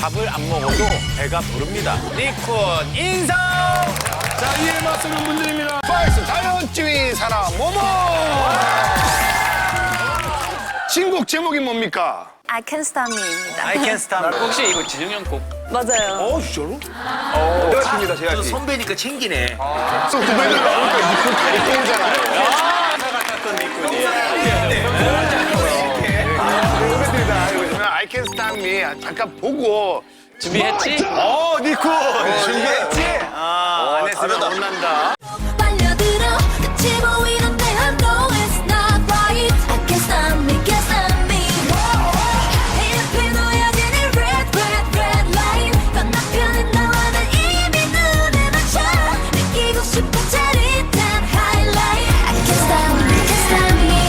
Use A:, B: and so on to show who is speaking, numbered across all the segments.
A: 밥을 안 먹어도 배가 부릅니다. 니쿤 인성!
B: 자, 이에 맞서는 분들입니다. 파이스 자연주의 사람 모모! 신곡 제목이 뭡니까?
C: I Can Stand Me입니다.
A: I can stand.
D: 혹시 이거 진영형 곡?
C: 맞아요.
B: 진짜로? 제가 칩니다, 제가 칩.
D: 선배니까 챙기네.
B: 또 후배들 나오니까 니쿤 다리 오잖아요. 후배들이다. I Can Stand Me 잠깐 보고.
D: 준비했지?
B: 니쿤! 준비했지?
A: 안 했으면 혼난다.
E: 빨려들어 끝이 보이는데 I know it's not right. I can't stop me, can't stop me. 내 앞에 놓여지는 red, red, red line. 건너편에 나와는 이미 눈에 맞춰. 느끼고 싶은 짜릿한 highlight. I can't stop me, can't stop me.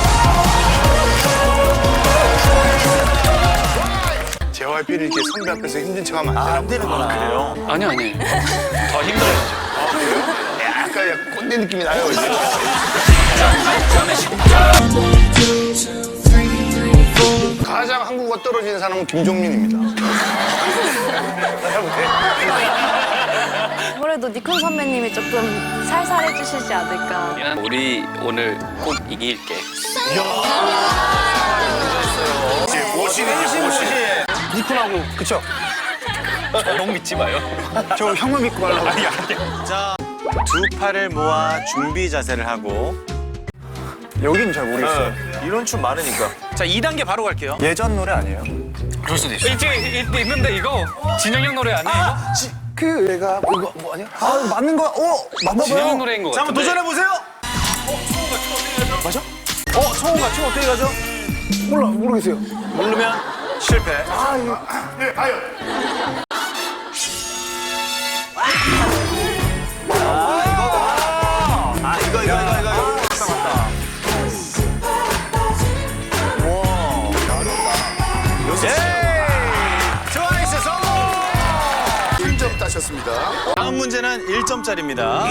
B: JYP를 이렇게 선배 앞에서 힘든 척하면 안 되는구나.
A: 그래요?
D: 아니. 더 힘들어야죠.
B: 약간 꼰대 느낌이 나요, 이제. 가장 한국어 떨어지는 사람은 김종민입니다.
C: 아무래도 니콘 선배님이 조금 살살해 주시지 않을까.
D: 우리 오늘 꼭 이길게.
B: 모신이지, 모신. 니쿤하고, 그쵸?
A: 너무 믿지 마요.
B: 저 형만 믿고 가려고.
A: 자, 두 팔을 모아 준비 자세를 하고.
B: 여기는 잘 모르겠어요.
A: 이런 춤 많으니까. 자, 2단계 바로 갈게요.
B: 예전 노래 아니에요?
D: 그럴 수도 있어. 있는데 이거 진영형 노래 아니에요?
B: 그 애가 이거 뭐 아니야? 맞는 거야? 맞나
D: 진영형
B: 봐요.
D: 노래인 거
A: 자,
D: 같은데.
A: 한번 도전해보세요.
B: 맞아?
A: 성우가 춤 어떻게 가죠?
B: 몰라, 모르겠어요.
A: 모르면 실패.
B: 네, 아유.
A: 이거. 맞다. 트와이스 성공!
B: 1점 따셨습니다.
A: 다음 문제는 1점짜리입니다.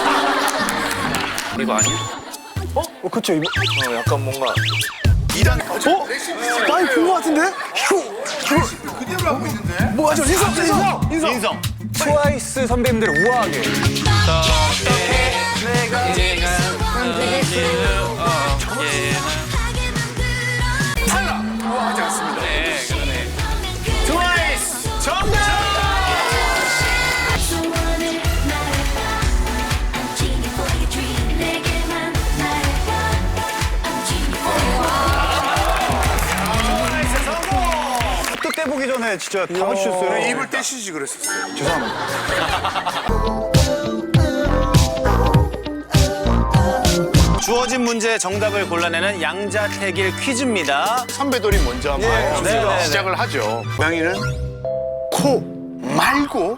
D: 이거 아니야?
B: 그쵸, 이거.
A: 약간 뭔가
B: 2단. 많이 본거 같은데? 그대로 하고 있는데? 뭐하죠? 인성. 트와이스 선배님들 우아하게. 우아하지 않습니다.
D: 네, 그러네.
A: 트와이스 정답!
E: 소원을 말해봐. I'm genie for your dream. 내게만 말해봐. I'm genie for your
B: 또 떼보기 전에 진짜 다 맞추셨어요. 입을 떼시지 그랬었어요. 죄송합니다.
A: 주어진 문제의 정답을 골라내는 양자택일 퀴즈입니다.
B: 선배들이 먼저 한번
A: 네.
B: 시작을 하죠. 고양이는 코 말고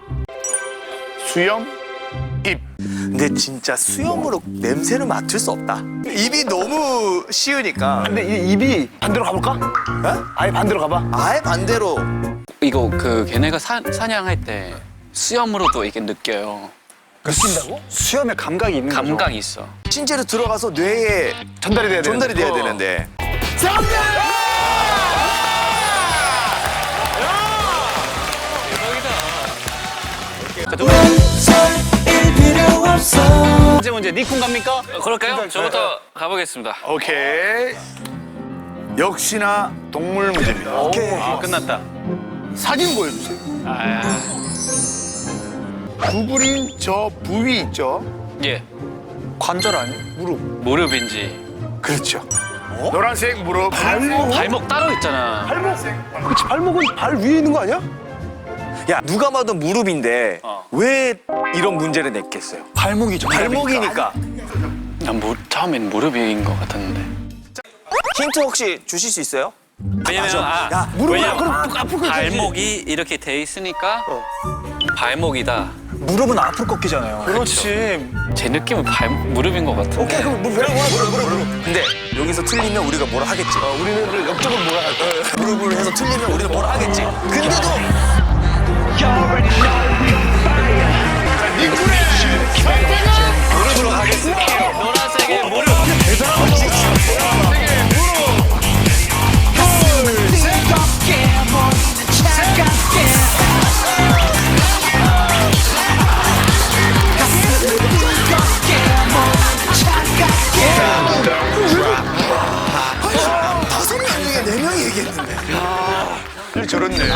B: 수염, 입.
F: 근데 진짜 수염으로 냄새를 맡을 수 없다. 입이 너무 쉬우니까.
B: 근데 이 입이 반대로 가볼까? 아예 반대로 가봐.
F: 아예 반대로.
D: 이거 그 걔네가 사냥할 때 수염으로도 이게 느껴요.
B: 느낀다고? 수염에 감각이 있는 거죠.
D: 감각이 있어.
F: 신체로 들어가서 뇌에
B: 전달이 돼야
F: 전달이 돼야
B: 되는데.
F: 되는데.
A: 두 번째 문제 니쿤 갑니까?
D: 그럴까요? 저부터 가보겠습니다.
B: 오케이. 역시나 동물 문제입니다.
A: 아, 끝났다.
B: 사진 보여주세요. 구부린 저 부위 있죠?
D: 예,
B: 관절 아니에요? 무릎.
D: 무릎인지.
B: 그렇죠. 노란색 무릎. 발목.
D: 발목 따로 있잖아.
B: 그렇지. 발목은 발 위에 있는 거 아니야?
F: 야, 누가 봐도 무릎인데
D: 어.
F: 왜 이런 문제를 냈겠어요?
B: 발목이죠.
F: 발목이니까.
D: 난 처음엔 무릎인 것 같았는데.
F: 힌트 혹시 주실 수 있어요?
D: 왜냐면
F: 야,
D: 왜냐면 발목이 이렇게 돼 있으니까 발목이다.
B: 무릎은 앞으로 꺾이잖아요.
A: 그렇지.
D: 제 느낌은 무릎인 것 같은데.
B: 오케이, 그럼 무릎.
F: 근데 여기서 틀리면 우리가 뭐라 하겠지.
B: 우리는 옆쪽으로 뭐라 할 거야?
F: 무릎을 해서 틀리면 우리는 뭐라 하겠지. 근데도
A: 무릎으로 가겠습니다.
D: 노란색의 무릎.
E: dream.
B: 저렇네.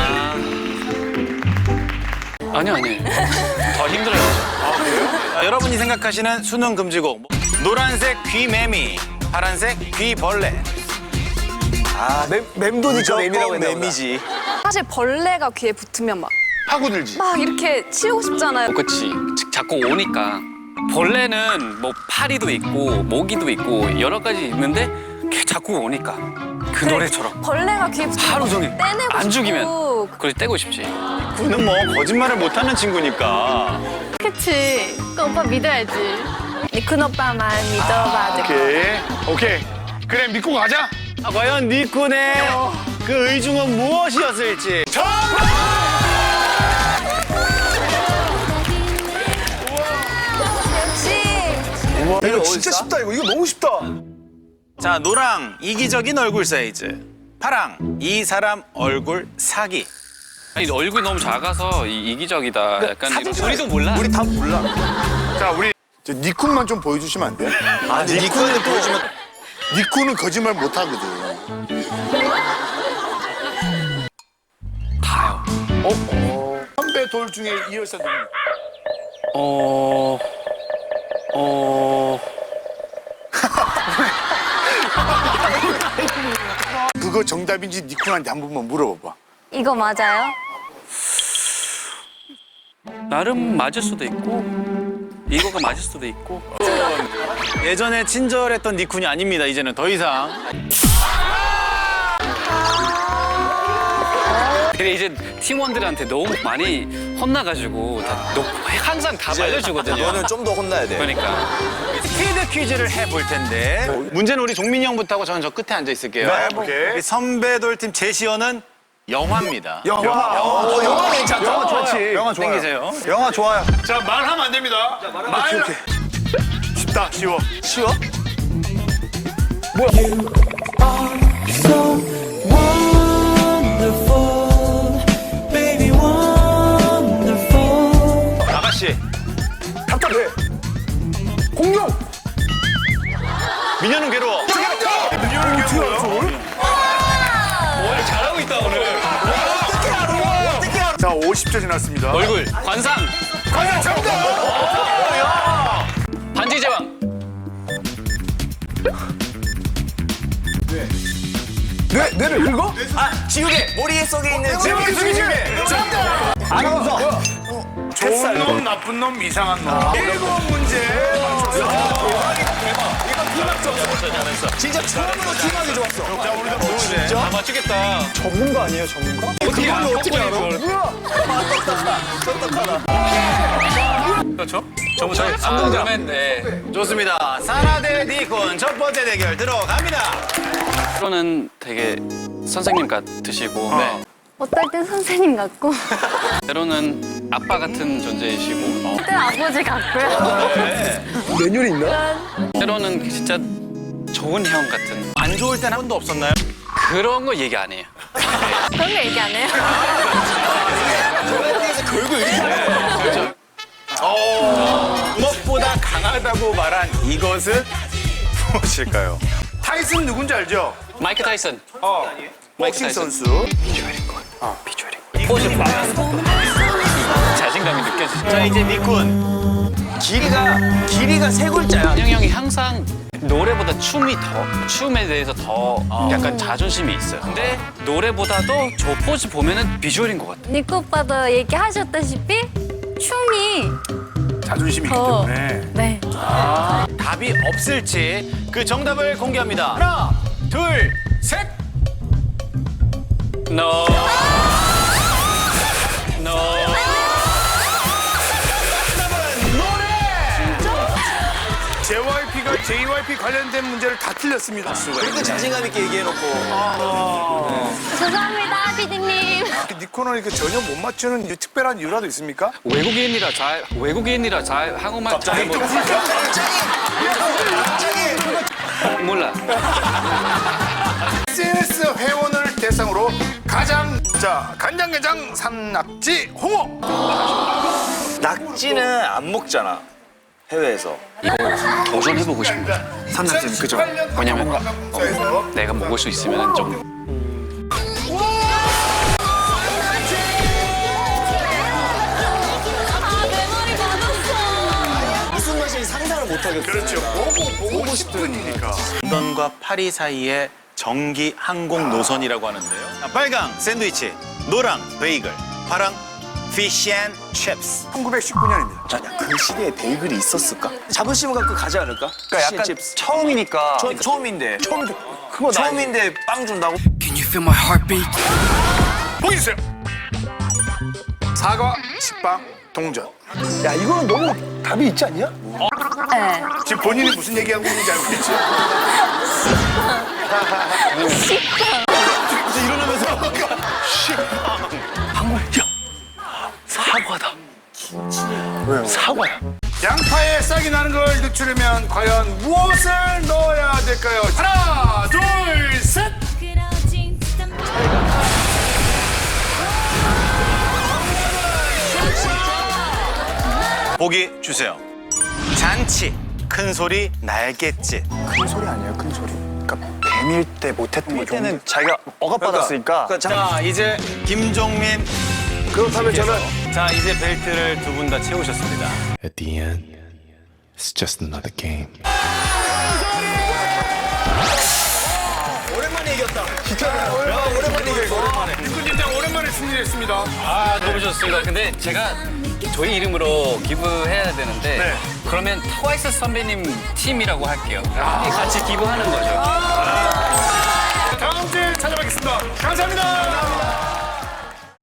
D: 아니요. 더 힘들어요.
A: 여러분이 생각하시는 수능 금지곡. 노란색 귀매미, 파란색 귀벌레.
F: 아, 맴도니까 매미라고 했나 보다.
A: 매미지.
C: 사실 벌레가 귀에 붙으면 막
B: 파고들지.
C: 이렇게 치우고 싶잖아요.
D: 그치. 자꾸 오니까. 벌레는 뭐 파리도 있고 모기도 있고 여러 가지 있는데 자꾸 오니까 그 노래처럼
C: 벌레가 귀에 붙으면
D: 하루
C: 막
D: 종일
C: 떼내고
D: 안 죽이면
C: 싶고.
D: 그걸 떼고 싶지.
A: 그는 뭐 거짓말을 못하는 친구니까.
C: 그치. 그 오빠 믿어야지. 니큰 오빠만 믿어봐.
B: 오케이. 그래, 믿고 가자.
A: 과연 니쿤의 그 의중은 무엇이었을지.
B: 이거 진짜 쉽다, 이거 너무 쉽다.
A: 자, 노랑 이기적인 얼굴 사이즈. 파랑 이 사람 얼굴 사기.
D: 아니, 얼굴이 너무 작아서 이기적이다. 약간 우리도 몰라.
F: 우리 다 몰라.
B: 자, 우리 니쿤만 좀 보여주시면 안 돼?
F: 아, 니쿤을 보여주면
B: 니쿤은 거짓말 못 하거든.
D: 다요.
B: 선배 돌 중에 이 열사 누굽니까? 그거 정답인지 니쿤한테 한 번만 물어봐봐.
C: 이거 맞아요?
D: 나름 맞을 수도 있고 이거가 맞을 수도 있고.
A: 예전에 친절했던 니쿤이 아닙니다. 이제는 더 이상.
D: 근데 이제 팀원들한테 너무 많이 혼나가지고 항상 다 말려주거든요.
F: 너는 좀 더 혼나야 돼.
D: 그러니까
A: 스피드 퀴즈를 해볼 텐데 문제는 우리 종민이 형부터 하고 저는 저 끝에 앉아 있을게요.
B: 네, 오케이.
A: 우리 선배 돌팀 제시어는 영화입니다.
F: 영화 괜찮다.
B: 영화 좋지. 영화 좋아요.
A: 땡기세요.
F: 영화 좋아요.
B: 자, 말하면 안 됩니다. 오케이. 쉽다, 쉬워.
F: 쉬워?
A: 아가씨.
B: 답답해. 공룡!
A: 미녀는 괴로워.
B: 민현은 괴로워요?
D: 잘하고 있다 오늘.
B: 자, 50초 지났습니다.
D: 얼굴 관상
B: 과연 정답!
D: 반지 제왕.
B: 뇌를 긁어?
F: 아, 지우개! 머리 속에 있는
B: 지우개, 지우개!
F: 아나운서!
B: 좋은 놈, 나쁜 놈, 이상한 놈. 7문제
F: 진짜 처음으로 팀하기 좋았어.
B: 자, 우리도 보는데.
D: 다 맞추겠다.
F: 전문가 아니에요, 전문가?
D: 어떻게 알아?
F: 어떻게 알아?
D: 그렇죠? 저부터. 그러면 네.
A: 좋습니다. 사라 대 니쿤 첫 번째 대결 들어갑니다.
D: 때로는 되게 선생님 같으시고
C: 어떨 땐 선생님 같고,
D: 때로는 아빠 같은 존재이시고
C: 그때 아버지 같고요.
F: 매뉴얼 있나?
D: 때로는 진짜 좋은 형 같은
A: 안 좋을 땐 한 번도 없었나요?
D: 그런 거 얘기 안 해요.
C: 그런 거 얘기 안 해요.
F: 결국 이렇게
A: 무엇보다 강하다고 말한 이것은 무엇일까요?
B: 타이슨 누군지 알죠?
D: 마이크 타이슨. 마이크
B: 복싱
D: 타이슨.
B: 선수.
D: 비주얼이. 자신감이 느껴지죠.
A: 자, 이제 니쿤.
F: 길이가 세 글자야.
D: 한영 형이 항상 노래보다 춤에 대해서 더 약간 자존심이 있어요. 근데 노래보다도 저 포즈 보면은 비주얼인 것 같아요.
C: 니코 오빠도 얘기하셨다시피 춤이
B: 자존심이 있기
C: 더
B: 때문에.
C: 네.
A: 답이 없을지 그 정답을 공개합니다. 하나, 둘, 셋.
D: No. No.
B: JYP 관련된 문제를 다 틀렸습니다.
F: 그렇게 자신감 있게 얘기해놓고.
C: 죄송합니다, 피디님.
B: 니코는 이렇게 전혀 못 맞추는 특별한 이유라도 있습니까?
D: 외국인이라 잘 한국말 잘 못. 몰라.
B: SNS 회원을 대상으로 가장 간장게장 산낙지 홍어.
F: 낙지는 안 먹잖아. 해외에서.
D: 이거 도전해보고 싶습니다.
B: 산낙지는 그죠?
D: 왜냐면 내가 먹을 수 있으면 좀
B: 그렇죠. 보고 싶으니까.
A: 런던과 파리 사이의 정기 항공 노선이라고 하는데요. 자, 빨강 샌드위치, 노랑 베이글, 파랑 피쉬 앤 칩스.
B: 1919년입니다.
F: 야, 그 시대에 베이글이 있었을까? 자부심을 갖고 가지 않을까?
G: 그러니까 약간
F: 칩스.
G: 처음이니까.
F: 처음인데. 처음인데 빵 준다고?
D: Can you feel my heartbeat?
B: 보기 주세요. 사과, 식빵, 동전.
G: 야, 이거는 너무 답이 있지 않냐?
C: 네.
B: 지금 본인이 무슨 얘기하고 있는지 알고 있지?
G: 사과다. 왜요? 사과야.
B: 양파에 싹이 나는 걸 늦추려면 과연 무엇을 넣어야 될까요? 하나, 둘, 셋.
E: 그러진 듯한
A: 보기 주세요. 잔치, 큰 소리, 날갯짓.
G: 큰 소리 아니에요, 큰 소리. 그러니까 뱀일 때 못했던 거 때는 자기가 억압받았으니까.
A: 자, 이제 김종민.
G: 그렇다면 저는
A: 자, 이제 벨트를 두 분 다 채우셨습니다.
H: At the end, it's just another game.
B: 육군팀장 오랜만에 승리했습니다.
D: 아 너무 좋습니다. 근데 제가 저희 이름으로 기부해야 되는데 그러면 트와이스 선배님 팀이라고 할게요. 같이 기부하는 거죠.
B: 다음 주에 찾아뵙겠습니다. 감사합니다.